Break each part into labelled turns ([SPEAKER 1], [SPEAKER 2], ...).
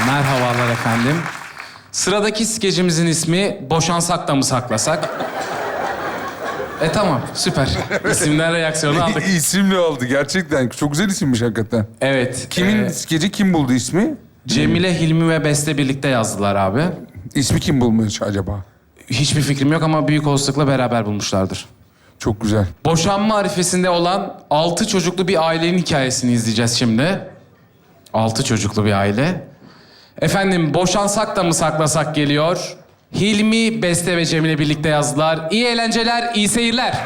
[SPEAKER 1] Merhabalar efendim. Sıradaki skecimizin ismi Boşansak da mı saklasak? Tamam, süper. İsimler reaksiyonu aldık.
[SPEAKER 2] İsimli oldu gerçekten. Çok güzel isimmiş hakikaten.
[SPEAKER 1] Evet.
[SPEAKER 2] Kimin skeci kim buldu ismi?
[SPEAKER 1] Cemile, Hilmi ve Beste birlikte yazdılar abi.
[SPEAKER 2] İsmi kim bulmuş acaba?
[SPEAKER 1] Hiçbir fikrim yok ama büyük olasılıkla beraber bulmuşlardır.
[SPEAKER 2] Çok güzel.
[SPEAKER 1] Boşanma arifesinde olan 6 çocuklu bir ailenin hikayesini izleyeceğiz şimdi. 6 çocuklu bir aile. Efendim, Boşansak da mı saklasak geliyor. Hilmi, Beste ve Cemile birlikte yazdılar. İyi eğlenceler, iyi seyirler.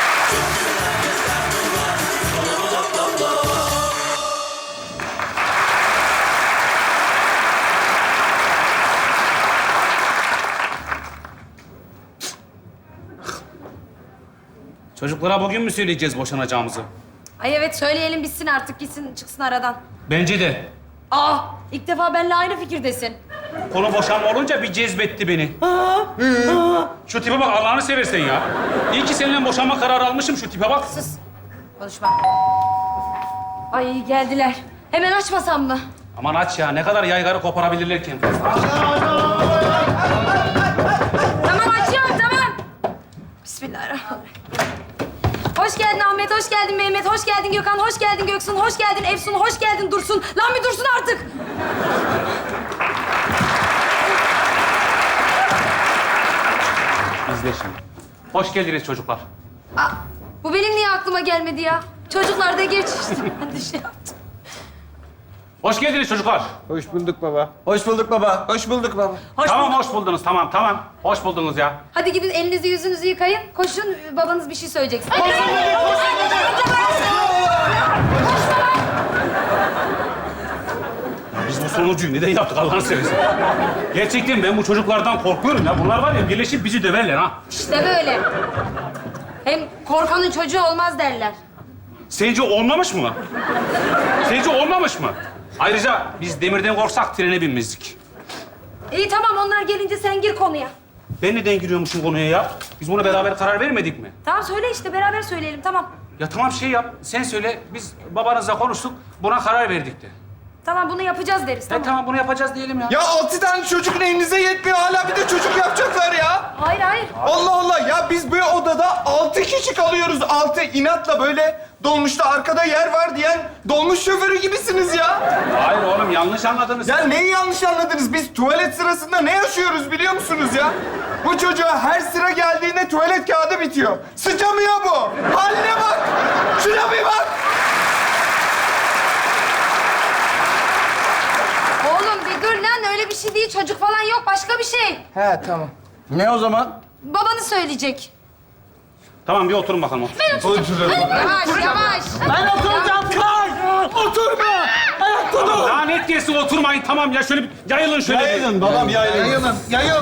[SPEAKER 3] Çocuklara bugün mü söyleyeceğiz boşanacağımızı?
[SPEAKER 4] Ay evet söyleyelim bitsin artık gitsin çıksın aradan.
[SPEAKER 3] Bence de.
[SPEAKER 4] İlk defa benimle aynı fikirdesin.
[SPEAKER 3] Konu boşanma olunca bir cezbetti beni. Şu tipe bak, Allah'ını seversen ya. İyi ki seninle boşanma kararı almışım, şu tipe bak.
[SPEAKER 4] Sus. Konuşma. Ay geldiler. Hemen açmasam mı?
[SPEAKER 3] Aman aç ya, ne kadar yaygarı koparabilirler ki en fazla.
[SPEAKER 4] Tamam açıyorum tamam. Bismillahirrahmanirrahim. Hoş geldin Ahmet, hoş geldin Mehmet, hoş geldin Gökhan, hoş geldin Göksun, hoş geldin Efsun, hoş geldin Dursun. Lan bir dursun artık.
[SPEAKER 3] İzle şimdi. Hoş geldiniz çocuklar.
[SPEAKER 4] Bu benim niye aklıma gelmedi ya? Çocuklar da geç işte. Ben de şey yaptım.
[SPEAKER 3] Hoş geldiniz çocuklar.
[SPEAKER 5] Hoş bulduk baba. Hoş bulduk baba. Hoş bulduk baba.
[SPEAKER 3] Tamam, hoş buldunuz. Tamam. Hoş buldunuz ya.
[SPEAKER 4] Hadi gidin elinizi yüzünüzü yıkayın. Koşun babanız bir şey söyleyecek.
[SPEAKER 3] Biz bu sonucuyu neden yaptık Allah'ını seversen? Gerçekten ben bu çocuklardan korkuyorum ya. Bunlar var ya, birleşip bizi döverler ha.
[SPEAKER 4] İşte böyle. Hem korkanın çocuğu olmaz derler.
[SPEAKER 3] Sence olmamış mı? Sence olmamış mı? Ayrıca biz demirden korksak trene binmezdik.
[SPEAKER 4] İyi tamam onlar gelince sen gir konuya.
[SPEAKER 3] Ben neden giriyormuşum konuya ya? Biz buna beraber karar vermedik mi?
[SPEAKER 4] Tamam söyle işte beraber söyleyelim tamam.
[SPEAKER 3] Ya tamam, şey yap, sen söyle. Biz babanızla konuştuk, buna karar verdik de.
[SPEAKER 4] Tamam bunu yapacağız deriz tamam.
[SPEAKER 3] Tamam, bunu yapacağız diyelim ya.
[SPEAKER 5] Ya 6 tane çocuk elinize yetmiyor. Hala bir de çocuk yapacaklar ya.
[SPEAKER 4] Hayır.
[SPEAKER 5] Allah Allah. Ya biz bu odada 6 kişi kalıyoruz. 6 inatla böyle dolmuşta arkada yer var diyen dolmuş şoförü gibisiniz ya.
[SPEAKER 3] Hayır oğlum, yanlış anladınız.
[SPEAKER 5] Ya neyi yanlış anladınız? Biz tuvalet sırasında ne yaşıyoruz biliyor musunuz ya? Bu çocuğa her sıra geldiğinde tuvalet kağıdı bitiyor. Sıçamıyor bu. Haline bak. Şuna bir bak.
[SPEAKER 4] Oğlum bir dur lan öyle bir şey değil çocuk falan yok başka bir şey.
[SPEAKER 5] He tamam. Ne o zaman?
[SPEAKER 4] Babanı söyleyecek.
[SPEAKER 3] Tamam, bir oturun bakalım.
[SPEAKER 4] Yavaş.
[SPEAKER 5] Ben oturacağım kay. Oturma. Ayakta dur.
[SPEAKER 3] Daha net gelsin, oturmayın. Tamam ya, şöyle bir yayılın şöyle.
[SPEAKER 5] Yayılın babam yayılın. Yayılın.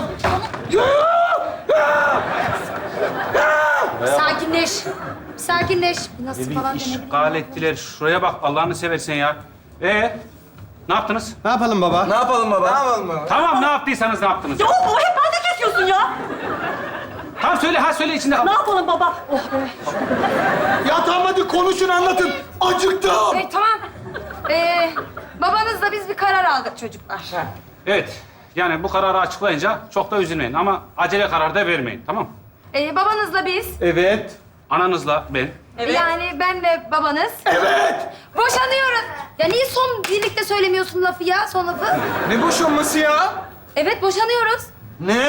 [SPEAKER 4] Sakinleş. Nasıl
[SPEAKER 3] Bir
[SPEAKER 4] falan
[SPEAKER 3] iş
[SPEAKER 4] denebilir.
[SPEAKER 3] gal ettiler. Şuraya bak, Allah'ını seversen ya. Ne yaptınız?
[SPEAKER 5] Ne yapalım baba? Ne yapalım baba?
[SPEAKER 3] Tamam, ne yaptıysanız ne yaptınız?
[SPEAKER 6] Ya o hep bende kesiyorsun ya.
[SPEAKER 3] Tamam söyle, söyle içinde kal.
[SPEAKER 6] Ne yapalım baba? Oh be.
[SPEAKER 5] Ya tamam hadi konuşun anlatın. Acıktım.
[SPEAKER 4] Tamam. Babanızla biz bir karar aldık çocuklar.
[SPEAKER 3] Evet, yani bu kararı açıklayınca çok da üzülmeyin ama acele karar da vermeyin, tamam?
[SPEAKER 4] Babanızla biz,
[SPEAKER 5] Evet.
[SPEAKER 3] Ananızla ben.
[SPEAKER 6] Evet.
[SPEAKER 4] yani ben ve babanız...
[SPEAKER 5] Evet.
[SPEAKER 4] Boşanıyoruz. Ya niye son birlikte söylemiyorsun lafı ya, son lafı?
[SPEAKER 5] Ne boşanması ya?
[SPEAKER 4] Evet, boşanıyoruz.
[SPEAKER 5] Ne?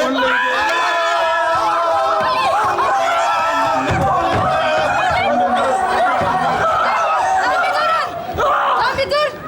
[SPEAKER 4] Lan bir dur.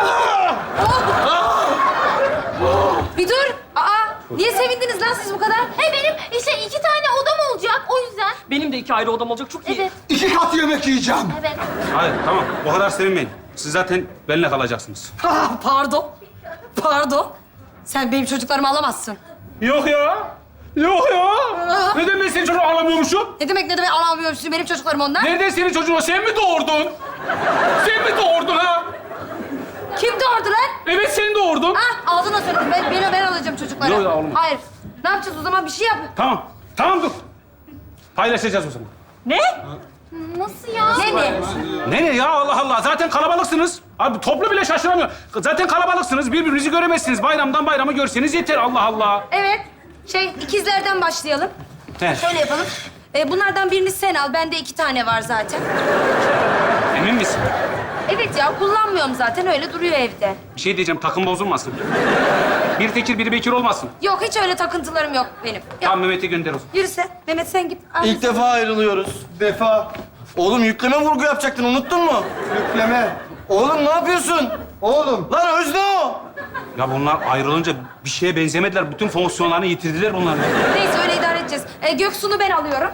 [SPEAKER 4] Bir dur. Niye sevindiniz lan siz bu kadar?
[SPEAKER 7] Benim işte 2 tane odam olacak o yüzden.
[SPEAKER 6] Benim de 2 ayrı odam olacak çok iyi.
[SPEAKER 7] Evet,
[SPEAKER 5] 2 kat yemek yiyeceğim.
[SPEAKER 7] evet.
[SPEAKER 3] Hayır, tamam. O kadar sevinmeyin. Siz zaten benimle kalacaksınız.
[SPEAKER 4] Pardon. Sen benim çocuklarımı alamazsın.
[SPEAKER 3] Yok ya. Neden ben senin çocuğunu alamıyormuşum?
[SPEAKER 4] Ne demek alamıyormuşsun benim çocuklarım onlar?
[SPEAKER 3] Nereden senin çocuğun o? Sen mi doğurdun? Sen mi doğurdun ha?
[SPEAKER 4] Kim doğurdu lan?
[SPEAKER 3] Evet, sen doğurdun.
[SPEAKER 4] Ağzına söyledim. Ben alacağım çocukları.
[SPEAKER 3] Yok ya, olmaz.
[SPEAKER 4] Hayır. Ne yapacağız o zaman? Bir şey yap.
[SPEAKER 3] Tamam dur. Paylaşacağız o zaman.
[SPEAKER 6] Ne?
[SPEAKER 7] Nasıl ya?
[SPEAKER 4] Ne mi?
[SPEAKER 3] Nereye ya Allah Allah? Zaten kalabalıksınız. Abi toplu bile şaşıramıyor. Zaten kalabalıksınız. Birbirinizi göremezsiniz. Bayramdan bayrama görseniz yeter Allah Allah.
[SPEAKER 4] Evet. İkizlerden başlayalım.
[SPEAKER 3] He.
[SPEAKER 4] Şöyle yapalım. Bunlardan birini sen al. Bende 2 tane var zaten.
[SPEAKER 3] Emin misin?
[SPEAKER 4] Evet ya, kullanmıyorum zaten. Öyle duruyor evde.
[SPEAKER 3] Bir şey diyeceğim, takım bozulmasın. Biri Tekir, biri Bekir olmasın.
[SPEAKER 4] Yok, hiç öyle takıntılarım yok benim. Yok.
[SPEAKER 3] Tamam, Mehmet'i gönder o zaman.
[SPEAKER 4] Yürü sen. Mehmet sen git. Al.
[SPEAKER 8] İlk defa ayrılıyoruz.
[SPEAKER 5] Defa.
[SPEAKER 8] Oğlum yükleme vurgu yapacaktın, unuttun mu?
[SPEAKER 5] Yükleme.
[SPEAKER 8] Oğlum ne yapıyorsun?
[SPEAKER 5] Oğlum.
[SPEAKER 8] Lan Özne o!
[SPEAKER 3] Ya bunlar ayrılınca bir şeye benzemediler. Bütün fonksiyonlarını yitirdiler bunlar.
[SPEAKER 4] Neyse, öyle idare edeceğiz. Göksu'nu ben alıyorum.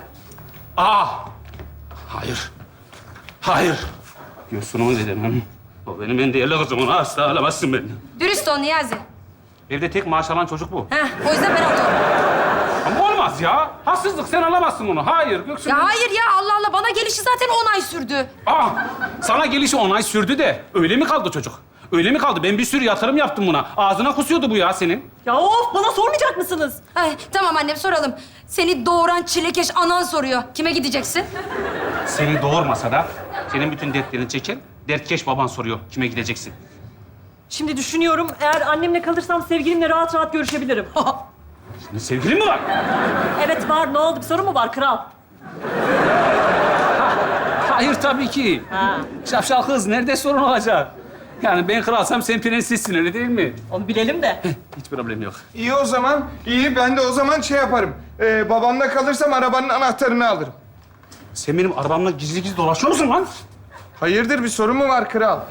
[SPEAKER 3] Hayır. Hayır. Göğsünü dedim. O benim en değerli kızım. Onu asla alamazsın benden.
[SPEAKER 4] Dürüst ol Niyazi.
[SPEAKER 3] Evde tek maaş alan çocuk bu.
[SPEAKER 4] O yüzden ben alıyorum.
[SPEAKER 3] Ama olmaz ya. Haksızlık. Sen alamazsın onu. Hayır Göksun.
[SPEAKER 4] Ya hayır ya, Allah Allah. Bana gelişi zaten 10 ay sürdü.
[SPEAKER 3] Sana gelişi 10 ay sürdü de öyle mi kaldı çocuk? Öyle mi kaldı? Ben bir sürü yatırım yaptım buna. Ağzına kusuyordu bu ya senin.
[SPEAKER 6] Ya of, bana sormayacak mısınız?
[SPEAKER 4] Ay, tamam annem, soralım. Seni doğuran çilekeş anan soruyor. Kime gideceksin?
[SPEAKER 3] Seni doğurmasa da senin bütün dertlerini çeker. Dertkeş baban soruyor. Kime gideceksin?
[SPEAKER 6] Şimdi düşünüyorum, eğer annemle kalırsam sevgilimle rahat rahat görüşebilirim.
[SPEAKER 3] Senin sevgilin mi var?
[SPEAKER 6] Evet var, ne oldu? Bir sorun mu var kral?
[SPEAKER 3] Hayır tabii ki.
[SPEAKER 6] Ha.
[SPEAKER 3] Şapşal kız nerede sorun olacak? Yani ben kralsam sen prensessin öyle değil mi?
[SPEAKER 6] Onu bilelim de.
[SPEAKER 3] Hiç problem yok.
[SPEAKER 5] İyi o zaman. İyi, ben de o zaman şey yaparım. Babamla kalırsam arabanın anahtarını alırım.
[SPEAKER 3] Sen benim arabamla gizli gizli dolaşıyor musun lan?
[SPEAKER 5] Hayırdır, bir sorun mu var kral?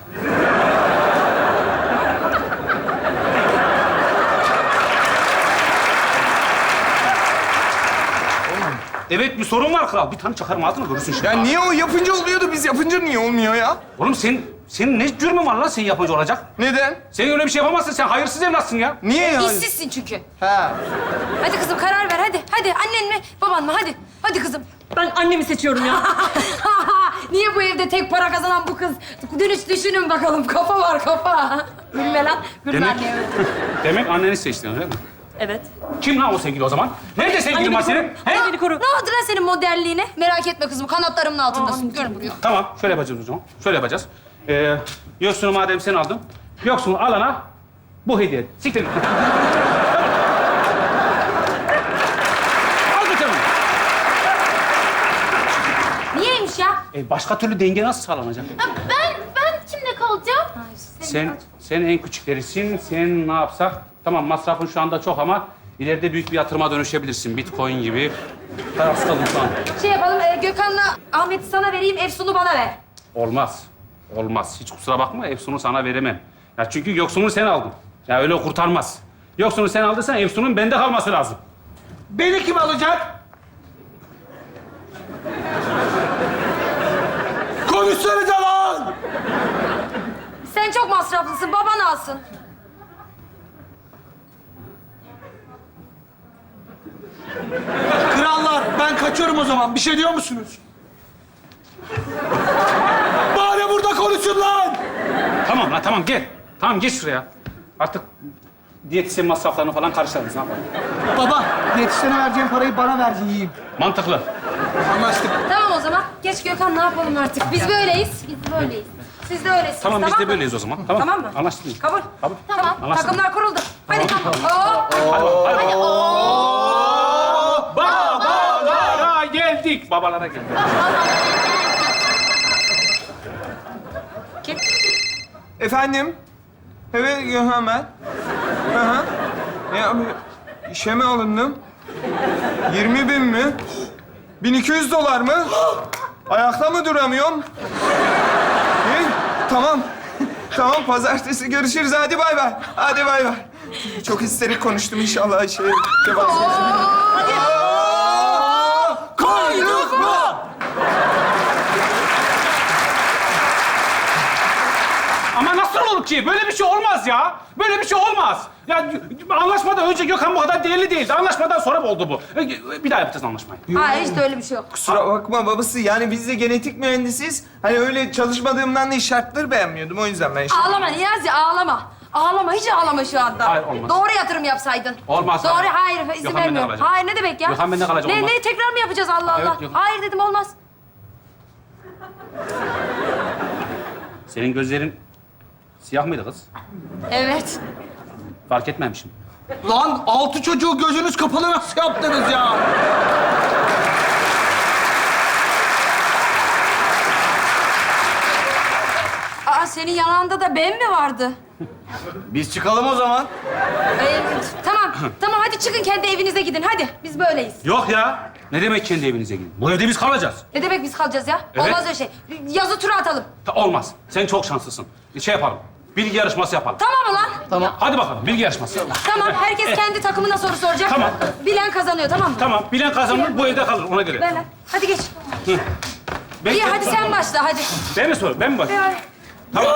[SPEAKER 3] Evet bir sorun var kral. Bir tane çakarım ağzına görürsün şimdi.
[SPEAKER 5] Ya niye o yapınca oluyordu, biz yapınca niye olmuyor ya?
[SPEAKER 3] Oğlum senin ne cürmün var lan sen yapıcı olacak?
[SPEAKER 5] Neden?
[SPEAKER 3] Sen öyle bir şey yapamazsın. Sen hayırsız evlatsın ya.
[SPEAKER 5] Niye ya?
[SPEAKER 4] İşsizsin çünkü.
[SPEAKER 5] Ha.
[SPEAKER 4] Hadi kızım, karar ver hadi. Hadi, annen mi, baban mı? Hadi. Hadi kızım.
[SPEAKER 6] Ben annemi seçiyorum ya.
[SPEAKER 4] Niye bu evde tek para kazanan bu kız? Düşünün bakalım. Kafa var, kafa. Gülme lan. Gülme
[SPEAKER 3] Demek,
[SPEAKER 4] anneye.
[SPEAKER 3] demek anneni seçtin öyle mi?
[SPEAKER 6] Evet.
[SPEAKER 3] Kim lan o sevgili o zaman? Nerede sevgilin var senin? He?
[SPEAKER 6] Annemi koru.
[SPEAKER 4] Ne oldu lan senin modelliğine? Merak etme kızım, kanatlarımın altındasın. Gör buraya.
[SPEAKER 3] Tamam, şöyle yapacağız o zaman. Şöyle yapacağız. Yoksunu madem sen aldın, yoksunu alana bu hediye. Siktir git. Al bakalım.
[SPEAKER 4] Niyeymiş ya?
[SPEAKER 3] Başka türlü denge nasıl sağlanacak?
[SPEAKER 7] Ben kimle kalacağım?
[SPEAKER 3] Sen en küçüklerisin. Sen ne yapsak? Tamam masrafın şu anda çok ama ileride büyük bir yatırıma dönüşebilirsin. Bitcoin gibi. Kararsız kaldım şu an.
[SPEAKER 4] Şey yapalım, Gökhan'la Ahmet'i sana vereyim, Efsun'u bana ver.
[SPEAKER 3] Olmaz. Olmaz. Hiç kusura bakma. Efsun'u sana veremem. Ya çünkü yoksunu sen aldın. Ya öyle kurtarmaz. Yoksunu sen aldıysan Efsun'un bende kalması lazım.
[SPEAKER 8] Beni kim alacak? Konuşsanıza lan!
[SPEAKER 4] Sen çok masraflısın, baban alsın.
[SPEAKER 8] Krallar, ben kaçıyorum o zaman. Bir şey diyor musunuz? Bari burada konuşun lan!
[SPEAKER 3] Tamam lan tamam gel. Tamam geç şuraya. Artık diyetisyen masraflarını falan karşılarız. Ne yapalım?
[SPEAKER 8] Baba, yetişene vereceğim parayı bana ver yiyeyim.
[SPEAKER 3] Mantıklı.
[SPEAKER 8] Anlaştık.
[SPEAKER 4] Tamam o zaman. Geç Gökhan, ne yapalım artık? Biz böyleyiz. Biz böyleyiz. Siz de öylesiniz.
[SPEAKER 3] Tamam biz de
[SPEAKER 4] mı?
[SPEAKER 3] böyleyiz o zaman. Tamam.
[SPEAKER 4] Tamam mı?
[SPEAKER 3] Anlaştık mı?
[SPEAKER 4] Kabul.
[SPEAKER 3] Kabul.
[SPEAKER 4] Tamam.
[SPEAKER 3] Anlaştık.
[SPEAKER 4] Takımlar kuruldu. Hadi tamam.
[SPEAKER 3] Babalara geldik. Babalara geldik.
[SPEAKER 4] Kim?
[SPEAKER 5] Efendim? Evet, Gökhan ben. Hı hı. Ya işe mi alındım? 20.000 mi? 1200 dolar mı? Ayakta mı duramıyorum? İyi, tamam. Tamam, pazartesi görüşürüz. Hadi bay bay. Hadi bay bay. Çok histerik konuştum inşallah.
[SPEAKER 8] Koyduk mu?
[SPEAKER 3] Ama nasıl olur ki? Böyle bir şey olmaz ya. Böyle bir şey olmaz. Ya anlaşmadan önce Gökhan bu kadar değerli değildi. Anlaşmadan sonra oldu bu. Bir daha yapacağız anlaşmayı.
[SPEAKER 4] Hayır, hiç de öyle bir şey yok.
[SPEAKER 5] Kusura bakma babası. Yani biz de genetik mühendisiyiz. Hani öyle çalışmadığımdan değil, şartları beğenmiyordum. O yüzden ben
[SPEAKER 4] Ağlama Niyazi, ağlama. Ağlama, hiç ağlama şu anda.
[SPEAKER 3] Hayır, olmaz.
[SPEAKER 4] Doğru yatırım yapsaydın.
[SPEAKER 3] Olmaz,
[SPEAKER 4] Doğru,
[SPEAKER 3] hayır.
[SPEAKER 4] hayır, izin
[SPEAKER 3] Gökhan bende
[SPEAKER 4] vermiyorum.
[SPEAKER 3] kalacak.
[SPEAKER 4] Hayır, ne demek ya?
[SPEAKER 3] Gökhan bende kalacak, olmaz.
[SPEAKER 4] Ne, tekrar mı yapacağız Allah
[SPEAKER 3] Evet,
[SPEAKER 4] Allah?
[SPEAKER 3] Gökhan.
[SPEAKER 4] Hayır dedim, olmaz.
[SPEAKER 3] Senin gözlerin siyah mıydı kız?
[SPEAKER 4] Evet.
[SPEAKER 3] Fark etmemişim.
[SPEAKER 8] Lan 6 çocuğu gözünüz kapalı nasıl yaptınız ya?
[SPEAKER 4] Aa, senin yanında da ben mi vardı?
[SPEAKER 9] Biz çıkalım o zaman.
[SPEAKER 4] Tamam, tamam hadi çıkın kendi evinize gidin. Hadi, biz böyleyiz.
[SPEAKER 3] Yok ya. Ne demek kendi evinize gidin? Bu evde biz kalacağız.
[SPEAKER 4] Ne demek biz kalacağız ya?
[SPEAKER 3] Evet.
[SPEAKER 4] Olmaz öyle şey. Yazı tura atalım.
[SPEAKER 3] Olmaz. Sen çok şanslısın. Şey yapalım. Bilgi yarışması yapalım.
[SPEAKER 4] Tamam ulan.
[SPEAKER 9] Tamam.
[SPEAKER 3] Hadi bakalım bilgi yarışması.
[SPEAKER 4] Tamam, herkes kendi takımına soru soracak.
[SPEAKER 3] Tamam.
[SPEAKER 4] Bilen kazanıyor, tamam mı?
[SPEAKER 3] Tamam. Bilen kazanır bu evde kalır ona göre.
[SPEAKER 4] Ver lan. Hadi geç.
[SPEAKER 3] Ben,
[SPEAKER 4] İyi, hadi sen başla, hadi.
[SPEAKER 3] Ben mi sorayım? Ben mi başlayayım? Tamam.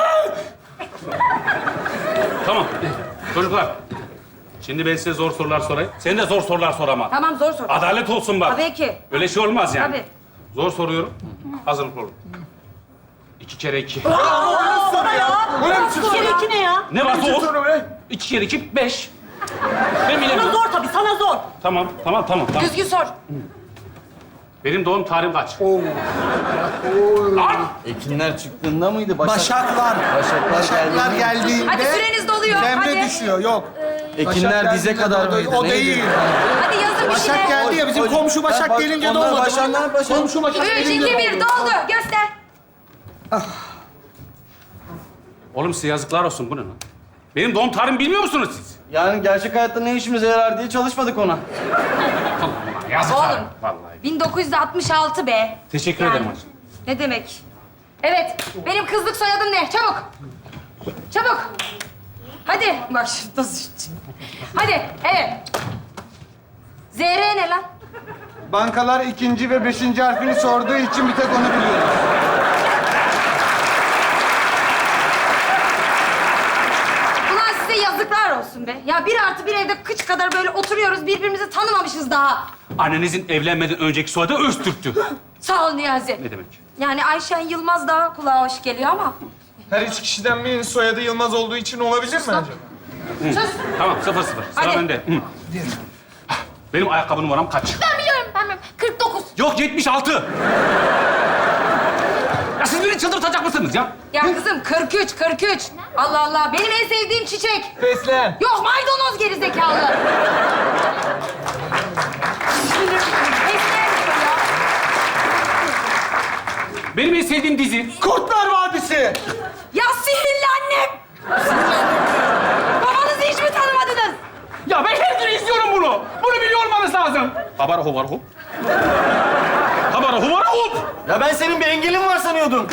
[SPEAKER 3] Tamam. Çocuklar. Şimdi ben size zor sorular sorayım. Sen de zor sorular sor ama.
[SPEAKER 4] Tamam, zor sor.
[SPEAKER 3] Adalet olsun bak.
[SPEAKER 4] Tabii ki.
[SPEAKER 3] Öyle şey olmaz yani.
[SPEAKER 4] Tabii.
[SPEAKER 3] Zor soruyorum. Hazırlıklı olun. 2 kere 2.
[SPEAKER 6] Bana ya. İki kere iki ne ya?
[SPEAKER 3] Ne varsa o. 2 kere 2, 5. Ben
[SPEAKER 6] Sana
[SPEAKER 3] bilemiyorum.
[SPEAKER 6] zor tabii, sana zor.
[SPEAKER 3] Tamam.
[SPEAKER 4] Düzgün sor.
[SPEAKER 3] Benim doğum tarihim kaç? Lan!
[SPEAKER 9] Ekinler çıktığında mıydı?
[SPEAKER 8] Başaklar. Başaklar geldiğinde...
[SPEAKER 4] Hadi süreniz doluyor,
[SPEAKER 8] Demre
[SPEAKER 4] hadi.
[SPEAKER 8] düşüyor, yok.
[SPEAKER 9] Ekinler
[SPEAKER 8] Başak
[SPEAKER 9] dize
[SPEAKER 8] geldiğinde
[SPEAKER 9] kadar
[SPEAKER 8] doğdu.
[SPEAKER 9] mıydı?
[SPEAKER 8] O
[SPEAKER 9] Neydi?
[SPEAKER 8] değil.
[SPEAKER 4] Hadi yazın bir
[SPEAKER 8] Başak
[SPEAKER 4] şeyler.
[SPEAKER 8] geldi ya, bizim komşu Başak gelince
[SPEAKER 9] Onlar
[SPEAKER 8] doğmadı.
[SPEAKER 9] Başaklar, Başak.
[SPEAKER 8] Komşu Başak
[SPEAKER 4] 3, 2,
[SPEAKER 8] gelince
[SPEAKER 4] 1, doldu. Göster.
[SPEAKER 3] Oğlum size yazıklar olsun. Bu ne lan? Benim doğum tarihimi bilmiyor musunuz siz?
[SPEAKER 9] Yani gerçek hayatta ne işimize yarar diye çalışmadık ona.
[SPEAKER 3] Yazıklar.
[SPEAKER 4] Oğlum.
[SPEAKER 3] Vallahi.
[SPEAKER 4] 1966 be.
[SPEAKER 3] Teşekkür
[SPEAKER 4] Yani.
[SPEAKER 3] ederim hacı.
[SPEAKER 4] Ne demek? Evet, benim kızlık soyadım ne? Çabuk. Çabuk. Hadi. Bak şu nasıl... Hadi, evet. ZR ne lan?
[SPEAKER 5] Bankalar 2. ve 5. harfini sorduğu için bir tek onu biliyorum.
[SPEAKER 4] Ulan size yazıklar olsun be. Ya 1+1 evde kıç kadar böyle oturuyoruz, birbirimizi tanımamışız daha.
[SPEAKER 3] Annenizin evlenmeden önceki soyadı Öztürk'tü.
[SPEAKER 4] Sağ ol Niyazi.
[SPEAKER 3] Ne demek?
[SPEAKER 4] Yani Ayşen Yılmaz daha kulağa hoş geliyor ama...
[SPEAKER 5] Her 3 kişiden birinin soyadı Yılmaz olduğu için olabilir mi acaba?
[SPEAKER 4] Sus.
[SPEAKER 3] Tamam 0-0. Sıra
[SPEAKER 4] Hadi.
[SPEAKER 3] bende. Hı. Benim ayakkabı numaram kaç?
[SPEAKER 7] Ben biliyorum, ben biliyorum. 49.
[SPEAKER 3] Yok 76. Ya siz beni çıldırtacak mısınız ya?
[SPEAKER 4] Ya kızım 43, 43. Allah Allah, benim en sevdiğim çiçek.
[SPEAKER 5] Fesleğen.
[SPEAKER 4] Yok maydanoz gerizekalı. Esmer diyor ya.
[SPEAKER 3] Benim en sevdiğim dizi.
[SPEAKER 8] Kurtlar Vadisi.
[SPEAKER 4] Ya sihirli annem. Babanızı hiç mi tanımadınız?
[SPEAKER 3] Ya ben her gün izliyorum bunu. Bunu biliyor olmanız lazım. Habara hubara hop. Habara hubara hop.
[SPEAKER 9] Ya ben senin bir engelin var sanıyordum.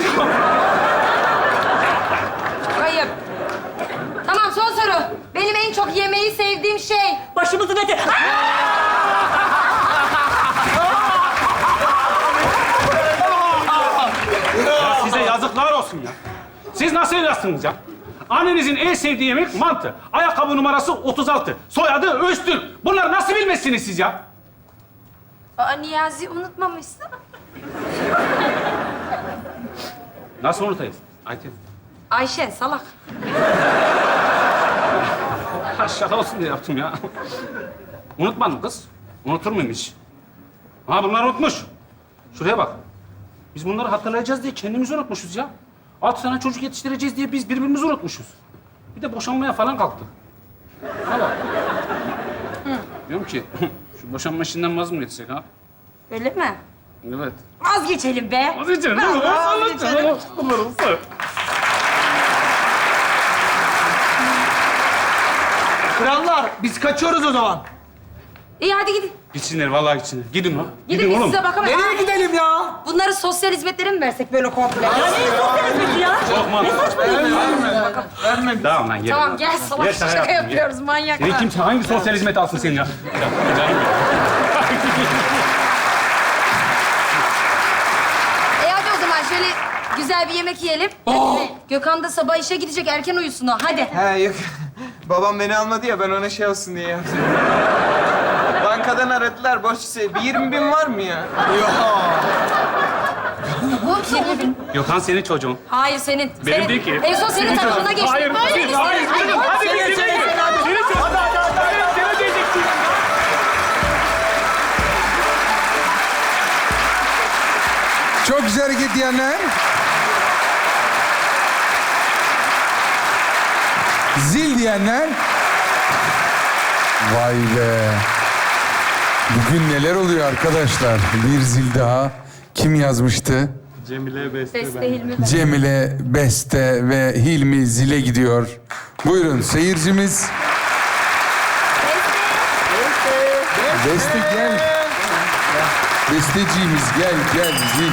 [SPEAKER 4] Hayır. Tamam, son soru. Benim en çok yemeği sevdiğim şey.
[SPEAKER 6] Başımızın eti.
[SPEAKER 3] Ya size yazıklar olsun ya. Siz nasıl evlatsınız ya? Annenizin en sevdiği yemek mantı. Ayakkabı numarası 36. Soyadı Öztürk. Bunları nasıl bilmezsiniz siz ya?
[SPEAKER 4] Aa, Niyazi unutmamışsın.
[SPEAKER 3] Nasıl unutayız? Ayten.
[SPEAKER 4] Ayşen salak.
[SPEAKER 3] Ha, şaka olsun diye yaptım ya. Unutmadım kız. Unutur muyum hiç? Ha bunlar unutmuş. Şuraya bak. Biz bunları hatırlayacağız diye kendimizi unutmuşuz ya. 6 tane çocuk yetiştireceğiz diye biz birbirimizi unutmuşuz. Bir de boşanmaya falan kalktık. Ha bak. Diyorum ki şu boşanma işinden vaz mı geçsek ha?
[SPEAKER 4] Öyle mi?
[SPEAKER 3] Evet.
[SPEAKER 4] Vazgeçelim be.
[SPEAKER 3] Vazgeçelim değil mi?
[SPEAKER 4] Vazgeçelim.
[SPEAKER 3] Bunları unutma.
[SPEAKER 8] Krallar, biz kaçıyoruz o zaman.
[SPEAKER 4] İyi hadi gidin.
[SPEAKER 3] Gitsinler vallahi gitsinler. Gidin lan.
[SPEAKER 4] Gidin biz
[SPEAKER 3] oğlum.
[SPEAKER 4] size bakamayız.
[SPEAKER 8] Nereye gidelim ya?
[SPEAKER 4] Bunları sosyal hizmetlere mi versek böyle komple?
[SPEAKER 6] Ya ne sosyal hizmeti ya?
[SPEAKER 3] Çok mantıklı.
[SPEAKER 6] Ne saçmalıyorsun ya?
[SPEAKER 3] Tamam lan gel.
[SPEAKER 4] Tamam gel salak
[SPEAKER 3] Gel,
[SPEAKER 4] şaka
[SPEAKER 3] yaptım, gel.
[SPEAKER 4] yapıyoruz manyaklar.
[SPEAKER 3] Seni kimse hangi sosyal hizmet alsın seni ya? Canım ya.
[SPEAKER 4] Hadi o zaman şöyle güzel bir yemek yiyelim. Hadi. Gökhan da sabah işe gidecek, erken uyusun o. Hadi.
[SPEAKER 5] He yok. Babam beni almadı ya, ben ona şey olsun diye yaptım. Bankadan aradılar, borç istedim. Bir 20.000 var mı ya?
[SPEAKER 4] Bu 20 bin.
[SPEAKER 3] Gökhan senin çocuğun.
[SPEAKER 4] Hayır senin.
[SPEAKER 3] Benim
[SPEAKER 4] Senin.
[SPEAKER 3] değil ki.
[SPEAKER 4] En son senin tarafına geçti.
[SPEAKER 3] Hayır,
[SPEAKER 4] Böyle
[SPEAKER 3] hayır,
[SPEAKER 4] mi
[SPEAKER 3] hayır.
[SPEAKER 4] istedim?
[SPEAKER 3] Gidin, hadi gidin. Senin çocuğun. Hadi, seni diyeceksin.
[SPEAKER 2] Çok güzel hareket diyenler. Zil diyenler. Vay be. Bugün neler oluyor arkadaşlar? Bir zil daha. Kim yazmıştı?
[SPEAKER 4] Beste Hilmi ben.
[SPEAKER 2] Cemile, Beste ve Hilmi zile gidiyor. Buyurun seyircimiz. Beste gel. Besteciğimiz gel zil.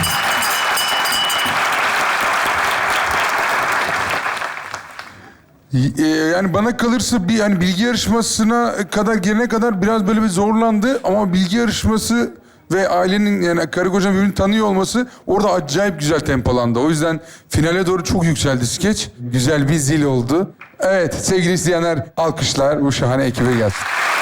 [SPEAKER 2] Yani bana kalırsa bir hani bilgi yarışmasına kadar gelene kadar biraz böyle bir zorlandı ama bilgi yarışması ve ailenin yani karı koca birbirini tanıyor olması orada acayip güzel tempolandı. O yüzden finale doğru çok yükseldi skeç. Güzel bir zil oldu. Evet sevgili izleyenler alkışlar bu şahane ekibe gelsin.